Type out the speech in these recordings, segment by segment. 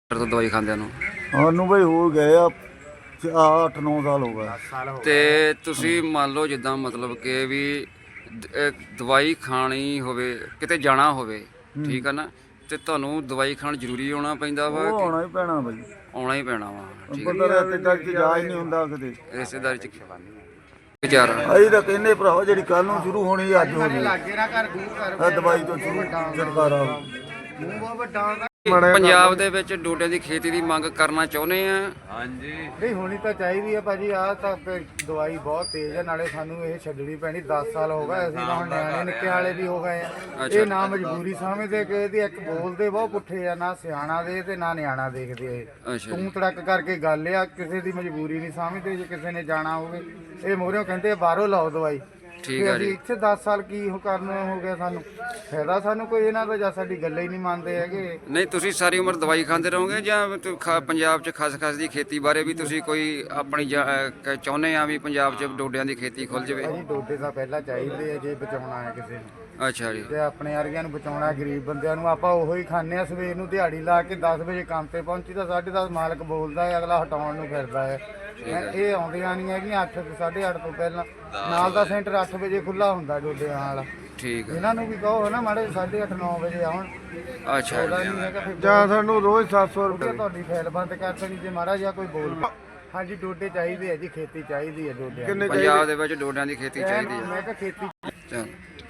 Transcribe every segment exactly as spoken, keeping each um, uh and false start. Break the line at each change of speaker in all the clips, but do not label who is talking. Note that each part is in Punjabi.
ਤੋਂ ਦਵਾਈ ਖਾਂਦਿਆਂ ਨੂੰ
ਸਾਨੂੰ ਬਈ ਹੋ ਗਏ ਆ ਅੱਠ ਨੌ ਸਾਲ ਹੋ ਗਏ।
ਤੇ ਤੁਸੀਂ ਮੰਨ ਲਓ ਜਿੱਦਾਂ ਮਤਲਬ ਕਿ ਵੀ ਦ- ਅਹ ਦਵਾਈ ਖਾਣੀ ਹੋਵੇ, ਕਿਤੇ ਜਾਣਾ ਹੋਵੇ, ਠੀਕ ਆ ਨਾ, ਤੇ ਤੁਹਾਨੂੰ ਦਵਾਈ ਖਾਣ ਜ਼ਰੂਰੀ ਆਉਣਾ ਪੈਂਦਾ ਵਾ
ਉਹ
ਕਿ
ਆਉਣਾ ਹੀ ਪੈਣਾ ਬਈ,
ਆਉਣਾ ਹੀ ਪੈਣਾ ਵਾ? ਠੀਕ
ਬੰਦਾ ਰਿਸ਼ਤੇਦਾਰੀ ਚ ਜਾ ਹੀ ਨਹੀਂ ਹੁੰਦਾ ਕਿਤੇ।
ਹੈ, ਰਿਸ਼ਤੇਦਾਰੀ ਚ ਵਿਚਾਰ
ਅਸੀਂ ਤਾਂ ਕਹਿੰਦੇ ਭਰਾਵਾ ਜਿਹੜੀ ਕੱਲ ਨੂੰ ਸ਼ੁਰੂ ਹੋਣੀ ਅੱਜ ਹੋ ਜੇ, ਇਹ ਦਵਾਈ ਤੋਂ ਸ਼ੁਰੂ ਛੁਟਕਾਰਾ ਹੋ।
ਪੰਜਾਬ ਦੇ ਵਿੱਚ ਡੋਡਿਆਂ ਦੀ ਖੇਤੀ ਦੀ ਮੰਗ ਕਰਨਾ ਚਾਹੁੰਦੇ ਆ।
ਹਾਂਜੀ
ਨਹੀਂ ਹੋਣੀ ਤਾਂ ਚਾਹੀਦੀ ਹੈ ਭਾਜੀ। ਆਹ ਤਾਂ ਫਿਰ ਦਵਾਈ ਬਹੁਤ ਤੇਜ਼ ਹੈ, ਨਾਲੇ ਸਾਨੂੰ ਇਹ ਛੱਡਣੀ ਪੈਣੀ। ਦਸ ਸਾਲ ਹੋ ਗਏ, ਅਸੀਂ ਤਾਂ ਹੁਣ ਨਿਆਣੇ ਨਿੱਕੇ ਵਾਲੇ ਵੀ ਹੋ ਗਏ ਆ।
ਅੱਛਾ।
ਇਹ ਨਾ ਮਜਬੂਰੀ ਸਮਝਦੇ ਕਿ ਇਹਦੀ ਇੱਕ ਬੋਲਦੇ ਬਹੁਤ ਪੁੱਠੇ ਆ, ਨਾ ਸਿਆਣਾ ਦੇ ਤੇ ਨਾ ਨਿਆਣਾ ਦੇਖਦੇ ਇਹ
ਅੱਛਾ
ਤੂੰ ਤੜਕ ਕਰਕੇ ਗੱਲ ਆ। ਕਿਸੇ ਦੀ ਮਜਬੂਰੀ ਨਹੀਂ ਸਮਝਦੇ। ਜੇ ਕਿਸੇ ਨੇ ਜਾਣਾ ਹੋਵੇ ਇਹ ਮੋਹਰਿਓਂ ਕਹਿੰਦੇ ਬਾਹਰੋਂ ਲਾਓ ਦਵਾਈ।
ਠੀਕ
ਤੇ
ਆ
ਅਸੀਂ
ਜੀ।
ਇੱਥੇ ਦਸ ਸਾਲ ਕੀ ਉਹ ਕਰਨ ਹੋ ਗਿਆ ਸਾਨੂੰ ਫਾਇਦਾ ਸਾਨੂੰ ਕੋਈ ਇਹਨਾਂ ਦਾ, ਜਾਂ ਸਾਡੀ ਗੱਲ ਹੀ ਨਹੀਂ ਮੰਨਦੇ ਹੈਗੇ।
ਨਹੀਂ, ਤੁਸੀਂ ਸਾਰੀ ਉਮਰ ਦਵਾਈ ਖਾਂਦੇ ਰਹੋਗੇ ਜਾਂ ਤੁ- ਖਾ- ਪੰਜਾਬ 'ਚ ਖਸਖਸ ਦੀ ਖੇਤੀ ਬਾਰੇ ਵੀ ਤੁਸੀਂ ਕੋਈ ਆਪਣੀ ਜਾ- ਅਹ ਕ- ਚਾਹੁੰਦੇ ਆ ਵੀ ਪੰਜਾਬ 'ਚ ਡੋਡਿਆਂ ਦੀ ਖੇਤੀ ਖੁੱਲ ਜਾਵੇ?
ਭਾਜੀ ਡੋਡੇ ਤਾਂ ਪਹਿਲਾਂ ਚਾਹੀਦੇ ਆ ਜੇ ਬਚਾਉਣਾ ਹੈ ਕਿਸੇ ਨੂੰ,
ਅੱਛਾ ਜੀ।
ਤੇ ਆਪਣੇ ਵਰਗਿਆਂ ਨੂੰ ਬਚਾਉਣਾ, ਗਰੀਬ ਬੰਦਿਆਂ ਨੂੰ। ਆਪਾਂ ਉਹੋ ਹੀ ਖਾਂਦੇ ਆ ਸਵੇਰ ਨੂੰ ਦਿਹਾੜੀ ਲਾ ਕੇ ਦਸ ਵਜੇ ਕੰਮ ਤੇ ਪਹੁੰਚੀ ਤਾਂ ਸਾਢੇ ਦਸ ਮਾਲਕ ਬੋਲਦਾ ਹੈ, ਅਗਲਾ ਹਟਾਉਣ ਨੂੰ ਫਿਰਦਾ ਹੈ। ਇਹ ਆਉਂਦੀਆਂ ਨਹੀਂ ਹੈਗੀਆਂ ਅੱਠ ਸਾਢੇ ਅੱਠ ਤੋਂ ਪਹਿਲਾਂ। ਨਾਲ ਦਾ ਸੈਂਟਰ ਅੱਠ ਵਜੇ ਖੁੱਲਾ ਹੁੰਦਾ ਡੋਡਿਆਂ ਵਾਲਾ।
ਠੀਕ ਆ।
ਇਹਨਾਂ ਨੂੰ ਵੀ ਕਹੋ ਹੈ ਨਾ ਮਾੜੇ ਸਾਢੇ ਅੱਠ ਨੌ ਵਜੇ ਆਉਣ।
ਅੱਛਾ
ਉਹਦਾ
ਜੀ।
ਨਹੀਂ ਹੈਗਾ ਫਿਰ
ਜਾਂ ਸਾਨੂੰ ਰੋਜ਼ ਸੱਤ ਸੌ
ਰੁਪਏ
ਰੁਪਏ
ਤੁਹਾਡੀ ਫਾਈਲ ਬੰਦ ਕਰ ਦੇਣੀ ਜੇ ਮਾੜਾ ਜਿਹਾ ਕੋਈ ਬੋਲ ਪਿਆ। ਹਾਂਜੀ ਡੋਡੇ ਚਾਹੀਦੇ ਆ ਜੀ, ਖੇਤੀ ਚਾਹੀਦੀ ਹੈ ਡੋਡਿਆਂ ਦੀ।
ਪੰਜਾਬ ਦੇ ਵਿੱਚ ਡੋਡਿਆਂ ਦੀ ਖੇਤੀ ਚਾਹੀਦੀ ਆ।
ਮੈਂ ਕਿਹਾ ਖੇਤੀ
ਚੱਲ।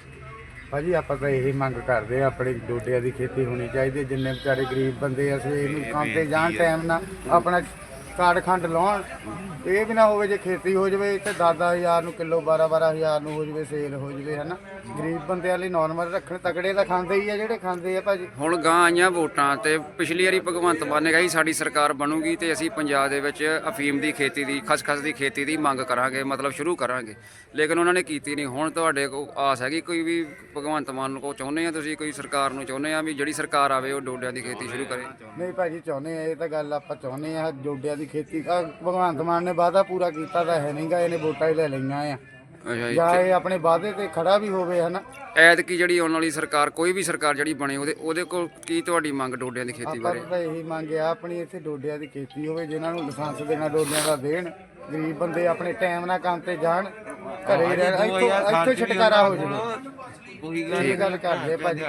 ਭਾਜੀ ਆਪਾਂ ਤਾਂ ਇਹੀ ਮੰਗ ਕਰਦੇ ਆ, ਆਪਣੇ ਡੋਡਿਆਂ ਦੀ ਖੇਤੀ ਹੋਣੀ ਚਾਹੀਦੀ ਹੈ। ਜਿੰਨੇ ਵਿਚਾਰੇ ਗਰੀਬ ਬੰਦੇ ਆ ਸਵੇਰ ਨੂੰ ਕੰਮ ਤੇ ਜਾਣ, ਟਾਈਮ ਨਾਲ ਆਪਣਾ ਕਾਰਡ ਖੰਡ ਲਾਉਣ। ਇਹ ਵੀ ਨਾ ਹੋਵੇ ਜੇ ਖੇਤੀ ਹੋ ਜਾਵੇ ਤੇ ਦਸ ਦਸ ਹਜ਼ਾਰ ਨੂੰ ਕਿਲੋ, ਬਾਰਾਂ ਬਾਰਾਂ ਹਜ਼ਾਰ ਨੂੰ ਹੋ ਜਾਵੇ, ਸੇਲ ਹੋ ਜਾਵੇ, ਹੈ ਨਾ। ਗਰੀਬ ਬੰਦਿਆਂ ਲਈ ਨੋਰਮਲ ਰੱਖਣ। ਤਕੜੇ ਤਾਂ ਖਾਂਦੇ ਹੀ ਆ ਜਿਹੜੇ ਖਾਂਦੇ ਆ ਭਾਜੀ।
ਹੁਣ ਗਾਂ ਆਈਆਂ ਵੋਟਾਂ ਤੇ ਪਿਛਲੀ ਵਾਰੀ ਭਗਵੰਤ ਮਾਨ ਨੇ ਕਿਹਾ ਸੀ ਸਾਡੀ ਸਰਕਾਰ ਬਣੂਗੀ ਤੇ ਅਸੀਂ ਪੰਜਾਬ ਦੇ ਵਿੱਚ ਅਫੀਮ ਦੀ ਖੇਤੀ ਦੀ, ਖਸਖਸ ਦੀ ਖੇਤੀ ਦੀ ਮੰਗ ਕਰਾਂਗੇ, ਮਤਲਬ ਸ਼ੁਰੂ ਕਰਾਂਗੇ। ਲੇਕਿਨ ਉਹਨਾਂ ਨੇ ਕੀਤੀ ਨਹੀਂ। ਹੁਣ ਤੁਹਾਡੇ ਕੋਲ ਆਸ ਹੈਗੀ ਕੋਈ ਵੀ ਭਗਵੰਤ ਮਾਨ ਨੂੰ ਕੋ ਚਾਹੁੰਦੇ ਆ ਤੁਸੀਂ, ਕੋਈ ਸਰਕਾਰ ਨੂੰ ਚਾਹੁੰਦੇ ਆ ਵੀ ਜਿਹੜੀ ਸਰਕਾਰ ਆਵੇ ਉਹ ਡੋਡਿਆਂ ਦੀ ਖੇਤੀ ਸ਼ੁਰੂ ਕਰੇ?
ਨਹੀਂ ਭਾਜੀ ਚਾਹੁੰਦੇ ਆ, ਇਹ ਤਾਂ ਗੱਲ ਆਪਾਂ ਚਾਹੁੰਦੇ ਆ ਡੋਡਿਆਂ ਦੀ ਖੇਤੀ। ਆਹ ਭਗਵੰਤ ਮਾਨ ਨੇ ਵਾਅਦਾ ਪੂਰਾ ਕੀਤਾ ਤਾਂ ਹੈ ਨਹੀਂਗਾ, ਇਹਨੇ ਵੋਟਾਂ ਹੀ ਲੈ ਲਈਆਂ ਆ।
ਅੱਛਾ ਜੀ।
ਜਾਂ ਇਹ ਆਪਣੇ ਵਾਅਦੇ ਤੇ ਖੜਾ ਵੀ ਹੋਵੇ, ਹੈ ਨਾ।
ਐਤਕੀ ਜਿਹੜੀ ਆਉਣ ਵਾਲੀ ਸਰਕਾਰ, ਕੋਈ ਵੀ ਸਰਕਾਰ ਜਿਹੜੀ ਬਣੇ, ਉਹਦੇ ਉਹਦੇ ਕੋਲ ਕੀ ਤੁਹਾਡੀ ਮੰਗ ਡੋਡਿਆਂ ਦੀ ਖੇਤੀ
ਆਪਾਂ
ਬਾਰੇ?
ਤਾਂ ਇਹੀ ਮੰਗਿਆ ਆਪਣੀ ਇੱਥੇ ਡੋਡਿਆਂ ਦੀ ਖੇਤੀ ਹੋਵੇ, ਜਿਨ੍ਹਾਂ ਨੂੰ ਲਾਇਸੈਂਸ ਦੇਣਾ ਡੋਡਿਆਂ ਦਾ ਦੇਣ। ਗਰੀਬ ਬੰਦੇ ਆਪਣੇ ਟਾਈਮ ਨਾਲ ਕੰਮ ਤੇ ਜਾਣ, ਘਰੇ ਰਹਿਣ, ਇੱਥੋਂ ਇੱਥੋਂ ਛੁਟਕਾਰਾ ਹੋ ਜਾਵੇ। ਇਹ ਗੱਲ ਕਰਦੇ ਭਾਜੀ।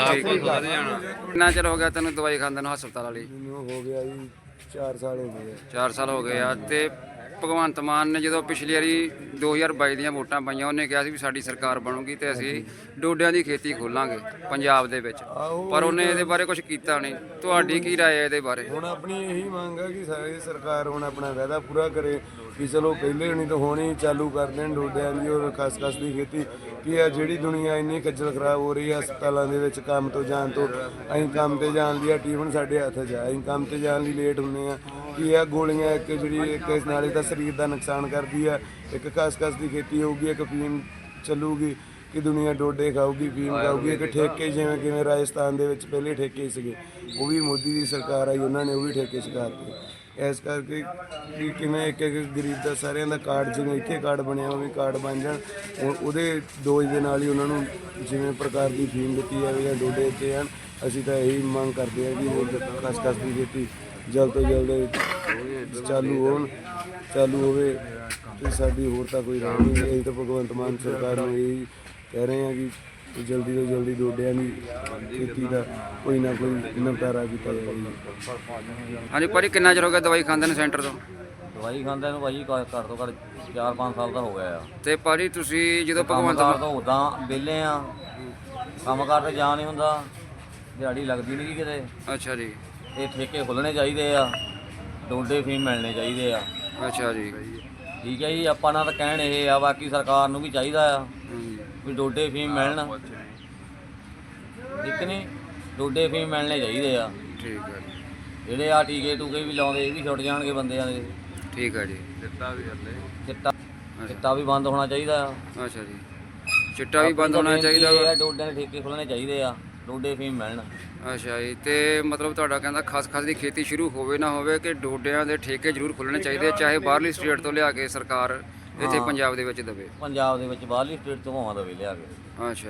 ਕਿੰਨਾ ਚਿਰ ਹੋ ਗਿਆ ਤੈਨੂੰ ਦਵਾਈ ਖਾਂਦੇ ਨੂੰ ਹਸਪਤਾਲ ਵਾਲੀ?
ਮੈਨੂੰ ਹੋ ਗਿਆ ਜੀ ਚਾਰ ਸਾਲ ਹੋ ਗਏ।
ਚਾਰ ਸਾਲ ਹੋ ਗਏ ਆ। ਤੇ ਭਗਵੰਤ ਮਾਨ ਨੇ ਜਦੋਂ ਪਿਛਲੀ ਵਾਰੀ ਦੋ ਹਜ਼ਾਰ ਬਾਈ ਦੀਆਂ ਵੋਟਾਂ ਪਾਈਆਂ, ਉਹਨੇ ਕਿਹਾ ਸੀ ਵੀ ਸਾਡੀ ਸਰਕਾਰ ਬਣੂਗੀ ਤੇ ਅਸੀਂ ਡੋਡਿਆਂ ਦੀ ਖੇਤੀ ਖੋਲਾਂਗੇ ਪੰਜਾਬ ਦੇ ਵਿੱਚ, ਪਰ ਉਹਨੇ ਇਹਦੇ ਬਾਰੇ ਕੁਝ ਕੀਤਾ ਨਹੀਂ। ਤੁਹਾਡੀ ਕੀ ਰਾਏ ਹੈ ਇਹਦੇ ਬਾਰੇ?
ਹੁਣ ਆਪਣੀ ਇਹੀ ਮੰਗ ਹੈ ਕਿ ਸਾਰੀ ਸਰਕਾਰ ਹੁਣ ਆਪਣਾ ਵਾਅਦਾ ਪੂਰਾ ਕਰੇ ਕਿ ਚਲੋ ਪਹਿਲੇ ਨਹੀਂ ਤਾਂ ਹੋਣੀ ਚਾਲੂ ਕਰ ਦੇਣ ਡੋਡਿਆਂ ਦੀ ਔਰ ਖਸਖਸ ਦੀ ਖੇਤੀ। ਕਿ ਆ ਜਿਹੜੀ ਦੁਨੀਆ ਇੰਨੀ ਖੱਜਲ ਖਰਾਬ ਹੋ ਰਹੀ ਹੈ ਹਸਪਤਾਲਾਂ ਦੇ ਵਿੱਚ ਕੰਮ ਤੋਂ ਜਾਣ ਤੋਂ, ਅਸੀਂ ਕੰਮ ਤੇ ਜਾਣ ਦੀ ਟੀਵਨ ਸਾਡੇ ਹੱਥ 'ਚ ਆ, ਅਸੀਂ ਕੰਮ ਤੇ ਜਾਣ ਲਈ ਲੇਟ ਹੁੰਦੇ ਆ। ਕਿ ਇਹ ਗੋਲੀਆਂ ਇੱਕ ਜਿਹੜੀ ਇੱਕ ਨਾਲੇ ਤਾਂ ਸਰੀਰ ਦਾ ਨੁਕਸਾਨ ਕਰਦੀ ਆ, ਇੱਕ ਖਸਖਸ ਦੀ ਖੇਤੀ ਹੋਊਗੀ, ਇੱਕ ਫੀਮ ਚੱਲੂਗੀ ਕਿ ਦੁਨੀਆ ਡੋਡੇ ਖਾਊਗੀ, ਫੀਮ ਖਾਊਗੀ। ਇੱਕ ਠੇਕੇ ਜਿਵੇਂ ਕਿਵੇਂ ਰਾਜਸਥਾਨ ਦੇ ਵਿੱਚ ਪਹਿਲੇ ਠੇਕੇ ਸੀਗੇ, ਉਹ ਵੀ ਮੋਦੀ ਦੀ ਸਰਕਾਰ ਆਈ, ਉਹਨਾਂ ਨੇ ਉਹ ਵੀ ਠੇਕੇ ਚੁਕਾਤੇ। ਇਸ ਕਰਕੇ ਕਿ ਕਿਵੇਂ ਇੱਕ ਇੱਕ ਗਰੀਬ ਦਾ ਸਾਰਿਆਂ ਦਾ ਕਾਰਡ, ਜਿਵੇਂ ਇੱਥੇ ਕਾਰਡ ਬਣਿਆ ਉਹ ਵੀ ਕਾਰਡ ਬਣ ਜਾਣ। ਉਹ- ਉਹਦੇ ਡੋਜ਼ ਦੇ ਨਾਲ ਹੀ ਉਹਨਾਂ ਨੂੰ ਜਿਵੇਂ ਪ੍ਰਕਾਰ ਦੀ ਫੀਮ ਦਿੱਤੀ ਜਾਵੇ ਜਾਂ ਡੋਡੇ ਦਿੱਤੇ ਜਾਣ। ਅਸੀਂ ਤਾਂ ਇਹੀ ਮੰਗ ਕਰਦੇ ਹਾਂ ਕਿ ਉਹ ਖਸਖਸ ਦੀ ਖੇਤੀ ਜਲਦ ਤੋਂ ਜਲਦ ਚਾਲੂ ਹੋਣ ਚਾਲੂ ਹੋਵੇ ਤੇ ਸਾਡੀ ਹੋਰ ਤਾਂ ਕੋਈ ਰਾਹ ਨਹੀਂ। ਅਸੀਂ ਤਾਂ ਭਗਵੰਤ ਮਾਨ ਸਰਕਾਰ ਨੂੰ ਇਹੀ ਕਹਿ ਰਹੇ ਹਾਂ ਕਿ ਜਲਦੀ ਤੋਂ ਜਲਦੀ ਡੋਡਿਆਂ ਦੀ ਖੇਤੀ ਦਾ ਕੋਈ ਨਾ ਕੋਈ ਨਿਪਟਾਰਾ ਕੀਤਾ ਜਾਵੇ ਜੀ।
ਹਾਂਜੀ ਭਾਜੀ, ਕਿੰਨਾ ਚਿਰ ਹੋ ਗਿਆ ਦਵਾਈ ਖਾਂਦੇ ਨੂੰ ਸੈਂਟਰ ਤੋਂ?
ਦਵਾਈ ਖਾਂਦੇ ਨੂੰ ਭਾਜੀ ਘੱਟ ਤੋਂ ਘੱਟ ਚਾਰ ਪੰਜ ਸਾਲ ਦਾ ਹੋ ਗਿਆ ਆ।
ਤੇ ਭਾਜੀ ਤੁਸੀਂ ਜਦੋਂ ਭਗਵੰਤ
ਕੰਮਕਾਰ ਤੋਂ ਉਦਾਂ ਵਿਹਲੇ ਆ, ਕੰਮਕਾਰ ਤੇ ਜਾ ਨਹੀਂ ਹੁੰਦਾ, ਦਿਹਾੜੀ ਲੱਗਦੀ ਨਹੀਂ ਕਿਤੇ।
ਅੱਛਾ ਜੀ।
ਇਹ ਠੇਕੇ ਖੁੱਲ੍ਹਣੇ ਚਾਹੀਦੇ ਆ, ਡੋਡੇ ਫੀਮ ਮਿਲਣੇ ਚਾਹੀਦੇ ਆ।
ਅੱਛਾ ਜੀ।
ਠੀਕ ਹੈ ਜੀ। ਆਪਾਂ ਨਾਲ ਤਾਂ ਕਹਿਣ ਇਹ ਆ, ਬਾਕੀ ਸਰਕਾਰ ਨੂੰ ਵੀ ਚਾਹੀਦਾ ਆ
ਹਮ,
ਵੀ ਡੋਡੇ ਫੀਮ ਮਿਲਣ। ਠੀਕ ਨਹੀਂ, ਡੋਡੇ ਫੀਮ ਮਿਲਣੇ ਚਾਹੀਦੇ ਆ।
ਠੀਕ ਹੈ ਜੀ।
ਜਿਹੜੇ ਆ ਟੀਕੇ ਟੂਕੇ ਵੀ ਲਾਉਂਦੇ ਇਹ ਵੀ ਛੁੱਟ ਜਾਣਗੇ ਬੰਦਿਆਂ ਦੇ।
ਠੀਕ ਹੈ ਜੀ।
ਚਿੱਟਾ ਚਿੱਟਾ ਵੀ ਬੰਦ ਹੋਣਾ ਚਾਹੀਦਾ ਆ।
ਅੱਛਾ ਜੀ। ਚਿੱਟਾ ਵੀ ਬੰਦ ਹੋਣਾ ਚਾਹੀਦਾ ਵਾ?
ਡੋਡਿਆਂ ਦੇ ਠੇਕੇ ਖੁੱਲ੍ਹਣੇ ਚਾਹੀਦੇ ਆ, ਡੋਡੇ ਫੀਮ ਮਿਲਣ।
ਅੱਛਾ ਜੀ। ਤੇ ਮਤਲਬ ਤੁਹਾਡਾ ਕਹਿੰਦਾ ਖਸਖਸ ਦੀ ਖੇਤੀ ਸ਼ੁਰੂ ਹੋਵੇ ਨਾ ਹੋਵੇ ਕਿ ਡੋਡਿਆਂ ਦੇ ਠੇਕੇ ਜ਼ਰੂਰ ਖੁੱਲ੍ਹਣੇ ਚਾਹੀਦੇ, ਚਾਹੇ ਬਾਹਰਲੀ ਸਟੇਟ ਤੋਂ ਲਿਆ ਕੇ ਸਰਕਾਰ ਇੱਥੇ ਪੰਜਾਬ ਦੇ ਵਿੱਚ ਦੇਵੇ?
ਪੰਜਾਬ ਦੇ ਵਿੱਚ ਬਾਹਰਲੀ ਸਟੇਟ ਤੋਂ ਭਾਵਾਂ ਦਵੇ ਲਿਆ ਕੇ।
ਅੱਛਾ ਜੀ।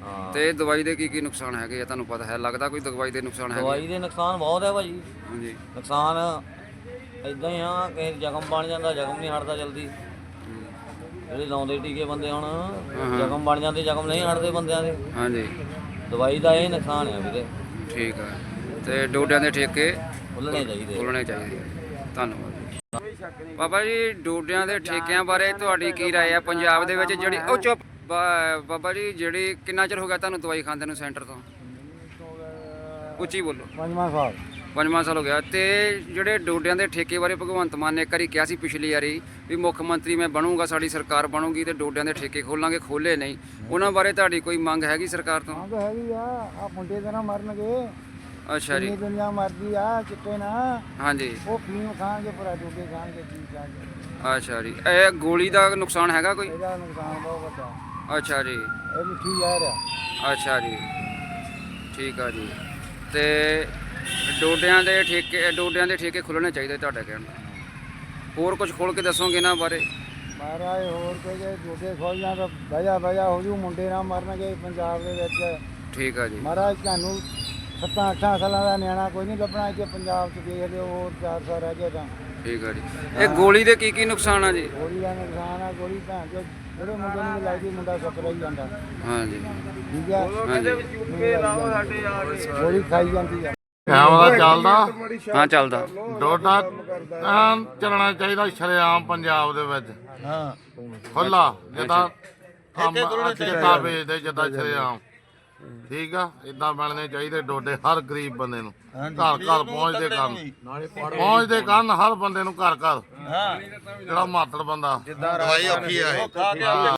ਹਾਂ।
ਤੇ ਦਵਾਈ ਦੇ ਕੀ ਕੀ ਨੁਕਸਾਨ ਹੈਗੇ ਆ ਤੁਹਾਨੂੰ ਪਤਾ ਹੈ? ਲੱਗਦਾ ਕੋਈ ਦਵਾਈ ਦੇ ਨੁਕਸਾਨ ਹੈਗੇ?
ਦਵਾਈ ਦੇ ਨੁਕਸਾਨ ਬਹੁਤ ਹੈ ਭਾਜੀ।
ਹਾਂਜੀ।
ਨੁਕਸਾਨ ਇਦਾਂ ਹੀ ਆ ਕਿ ਜ਼ਖਮ ਬਣ ਜਾਂਦਾ, ਜ਼ਖਮ ਨਹੀਂ ਹਟਦਾ ਜਲਦੀ। ਜਿਹੜੇ ਲਾਉਂਦੇ ਟੀਕੇ ਬੰਦੇ ਹੁਣ ਜ਼ਖਮ ਬਣ ਜਾਂਦੇ, ਜ਼ਖਮ ਨਹੀਂ ਹਟਦੇ ਬੰਦਿਆਂ ਦੇ।
ਹਾਂਜੀ
ਦਵਾਈ ਦਾ ਇਹ ਨੁਕਸਾਨ ਹੈ ਵੀਰੇ।
ਠੀਕ ਆ। ਤੇ ਡੋਡਿਆਂ ਦੇ ਠੇਕੇ
ਖੁੱਲ੍ਹਣੇ ਚਾਹੀਦੇ।
ਖੋਲ੍ਹਣੇ ਚਾਹੀਦੇ ਆ। ਧੰਨਵਾਦ। ਬਾਬਾ ਜੀ ਡੋਡਿਆਂ ਦੇ ਠੇਕਿਆਂ ਬਾਰੇ ਤੁਹਾਡੀ ਕੀ ਰਾਏ ਆ ਪੰਜਾਬ ਦੇ ਵਿੱਚ ਜਿਹੜੀ ਉਹ ਚੁੱਪ ਬਾ- ਬਾਬਾ ਜੀ ਜਿਹੜੀ ਕਿੰਨਾ ਚਿਰ ਹੋ ਗਿਆ ਤੁਹਾਨੂੰ ਦਵਾਈ ਖਾਂਦੇ ਨੂੰ ਸੈਂਟਰ ਤੋਂ? ਉੱਚੀ ਬੋਲੋ।
ਪੰਜਵਾਂ ਸਾਲ
ਪੰਜਵਾਂ ਸਾਲ ਹੋ ਗਿਆ। ਤੇ ਜਿਹੜੇ ਡੋਡਿਆਂ ਦੇ ਠੇਕੇ ਬਾਰੇ ਭਗਵੰਤ ਮਾਨ ਨੇ ਇੱਕ ਵਾਰੀ ਕਿਹਾ ਸੀ ਪਿਛਲੀ ਵਾਰੀ ਵੀ ਮੁੱਖ ਮੰਤਰੀ ਮੈਂ ਬਣੂੰਗਾ, ਸਾਡੀ ਸਰਕਾਰ ਬਣੂਗੀ ਤੇ ਡੋਡਿਆਂ ਦੇ ਠੇਕੇ ਖੋਲਾਂਗੇ, ਖੋਲੇ ਨਹੀਂ। ਉਹਨਾਂ ਬਾਰੇ ਤੁਹਾਡੀ ਕੋਈ ਮੰਗ ਹੈਗੀ ਸਰਕਾਰ ਤੋਂ?
ਮੰਗ ਹੈਗੀ ਆ ਆ ਮੁੰਡੇ ਤੇ ਨਾ ਮਰਨਗੇ।
ਅੱਛਾ ਜੀ।
ਜਿੰਨੀ ਦੁਨੀਆ ਮਰਦੀ ਆ ਚਿੱਟੇ ਨਾ
ਹਾਂਜੀ।
ਉਹ ਫੀਮ ਖਾਣਗੇ, ਭਰਾ ਡੋਡੇ ਖਾਣਗੇ, ਕੀ ਖਾਣਗੇ।
ਅੱਛਾ ਜੀ। ਇਹ ਗੋਲੀ ਦਾ ਨੁਕਸਾਨ ਹੈਗਾ ਕੋਈ?
ਇਹਦਾ ਨੁਕਸਾਨ ਬਹੁਤ ਵੱਡਾ।
ਅੱਛਾ ਜੀ।
ਇਹ ਮਿੱਠੀ ਜ਼ਹਿਰ ਆ।
ਅੱਛਾ ਜੀ। ਠੀਕ ਆ ਜੀ। ਤੇ ਡੋਡਿਆਂ ਦੇ ਠੇਕੇ ਡੋਡਿਆਂ ਦੇ ਠੇਕੇ ਖੁੱਲ੍ਹਣੇ ਚਾਹੀਦੇ ਤੁਹਾਡਾ ਕਹਿਣ ਦਾ। ਹੋਰ ਕੁਝ ਖੋਲ ਕੇ ਦੱਸੋਗੇ ਇਹਨਾਂ ਬਾਰੇ?
ਮਹਾਰਾਜ ਹੋਰ ਕੋਈ ਜੇ ਡੋਡੇ ਖੋਲ ਜਾਂ ਤਾਂ ਵਜਾ ਵਜਾ ਹੋ ਜੂ, ਮੁੰਡੇ ਨਾ ਮਰਨਗੇ ਪੰਜਾਬ ਦੇ ਵਿੱਚ।
ਠੀਕ ਆ ਜੀ।
ਮਹਾਰਾਜ ਤੁਹਾਨੂੰ ਸੱਤਾਂ ਅੱਠਾਂ ਸਾਲਾਂ ਦਾ ਨਿਆਣਾ ਕੋਈ ਨਹੀਂ ਲੱਭਣਾ ਇੱਥੇ ਪੰਜਾਬ 'ਚ। ਦੇਖ ਲਿਓ ਹੋਰ ਚਾਰ ਸਾਲ ਰਹਿ ਗਏ ਤਾਂ।
ਠੀਕ ਆ ਜੀ। ਇਹ ਗੋਲੀ ਦੇ ਕੀ ਕੀ ਨੁਕਸਾਨ ਆ ਜੀ?
ਗੋਲੀ ਦਾ ਨੁਕਸਾਨ ਆ। ਗੋਲੀ ਭੈਣ ਚੋ ਜਿਹੜੇ ਮੁੰਡੇ ਨੂੰ ਵੀ ਲੱਗਦੀ, ਮੁੰਡਾ ਸੁੱਕ ਰਹੀ ਜਾਂਦਾ।
ਹਾਂਜੀ।
ਠੀਕ ਆ।
ਹਾਂਜੀ।
ਗੋਲੀ ਖਾਈ ਜਾਂਦੀ ਆ।
ਕੈਮਰਾ ਚੱਲਦਾ
ਹਾਂ ਚੱਲਦਾ।
ਡੋਡਾ ਐਨ ਚੱਲਣਾ ਚਾਹੀਦਾ ਸ਼ਰੇਆਮ ਪੰਜਾਬ ਦੇ ਵਿੱਚ।
ਹਾਂ
ਖੁੱਲਾ ਜਿੱਦਾਂ ਕੰਮ ਜਿੱਦਾਂ ਵੇਚਦੇ ਜਿੱਦਾਂ ਸ਼ਰੇਆਮ। ਠੀਕ ਆ। ਇਦਾਂ ਬਣਨੇ ਚਾਹੀਦੇ ਡੋਡੇ ਹਰ ਗਰੀਬ ਬੰਦੇ ਨੂੰ ਘਰ ਘਰ ਪਹੁੰਚਦੇ ਕਰਨ ਪਹੁੰਚਦੇ ਕਰਨ ਹਰ ਬੰਦੇ ਨੂੰ ਘਰ ਘਰ ਜਿਹੜਾ ਮਾਤੜ ਬੰਦਾ
ਦਵਾਈ ਔਖੀ ਆ ਇਹ।